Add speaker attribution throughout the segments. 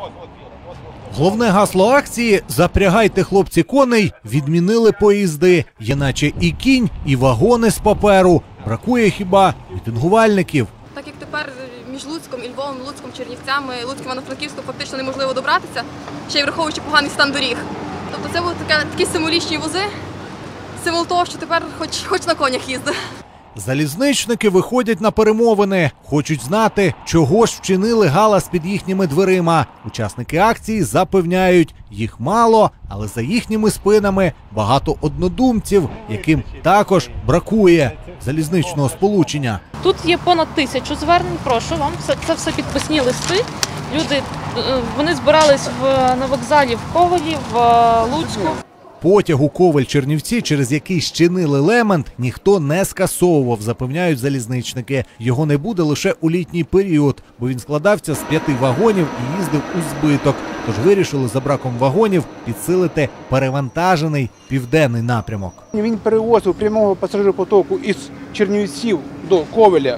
Speaker 1: Головне гасло акції «Запрягайте, хлопці, коней» відмінили поїзди. Є наче і кінь, і вагони з паперу. Бракує хіба мітингувальників.
Speaker 2: Так як тепер між Луцьком і Львовом, Луцьком, Чернівцями, Луцьком, Івано-Франківськом фактично неможливо добратися, ще й враховуючи поганий стан доріг. Тобто це будуть такі символічні вози, символ того, що тепер хоч на конях їздить.
Speaker 1: Залізничники виходять на перемовини. Хочуть знати, чого ж вчинили галас під їхніми дверима. Учасники акції запевняють, їх мало, але за їхніми спинами багато однодумців, яким також бракує залізничного сполучення.
Speaker 3: Тут є понад 1000 звернень, прошу вам, це все підписні листи. Люди, вони збирались на вокзалі в Ковелі, в Луцьку.
Speaker 1: Потяг у Ковель-Чернівці, через який щинили лемент, ніхто не скасовував, запевняють залізничники. Його не буде лише у літній період, бо він складався з 5 вагонів і їздив у збиток. Тож вирішили за браком вагонів підсилити перевантажений південний напрямок.
Speaker 4: Він перевозив прямого пасажиропотоку із Чернівців до Ковеля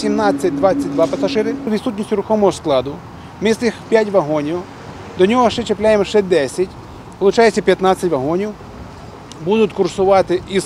Speaker 4: 18-22 пасажири. Відсутністю рухомого складу. Ми з тих 5 вагонів, до нього ще чіпляємо ще 10. Получається 15 вагонів, будуть курсувати із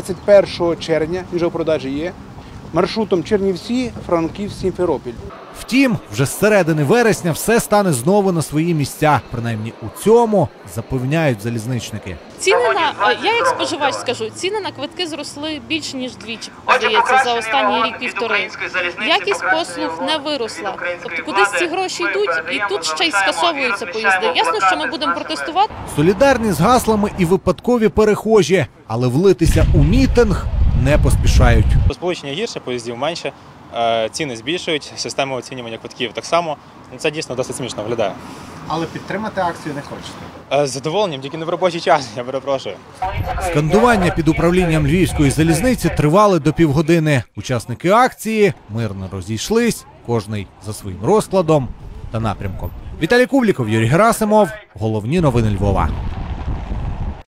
Speaker 4: 21 червня, він вже в продажі є, маршрутом Чернівці, Франківськ, Сімферополь.
Speaker 1: Втім, вже з середини вересня все стане знову на свої місця. Принаймні у цьому запевняють залізничники.
Speaker 3: Ціни я як споживач скажу, ціни на квитки зросли більше, ніж двічі, здається, за останній рік-півтори. Якість послуг не виросла. Тобто кудись ці гроші йдуть, і тут ще й скасовуються поїзди. Ясно, що ми будемо протестувати.
Speaker 1: Солідарні з гаслами і випадкові перехожі, але влитися у мітинг не поспішають.
Speaker 5: Сполучення гірше, поїздів менше, ціни збільшують, система оцінювання квитків так само. Це дійсно досить смішно виглядає.
Speaker 6: Але підтримати акцію не хочете?
Speaker 5: З задоволенням, тільки не в робочий час, я перепрошую.
Speaker 1: Скандування під управлінням Львівської залізниці тривали до півгодини. Учасники акції мирно розійшлись, кожний за своїм розкладом та напрямком. Віталій Кубліков, Юрій Герасимов. Головні новини Львова.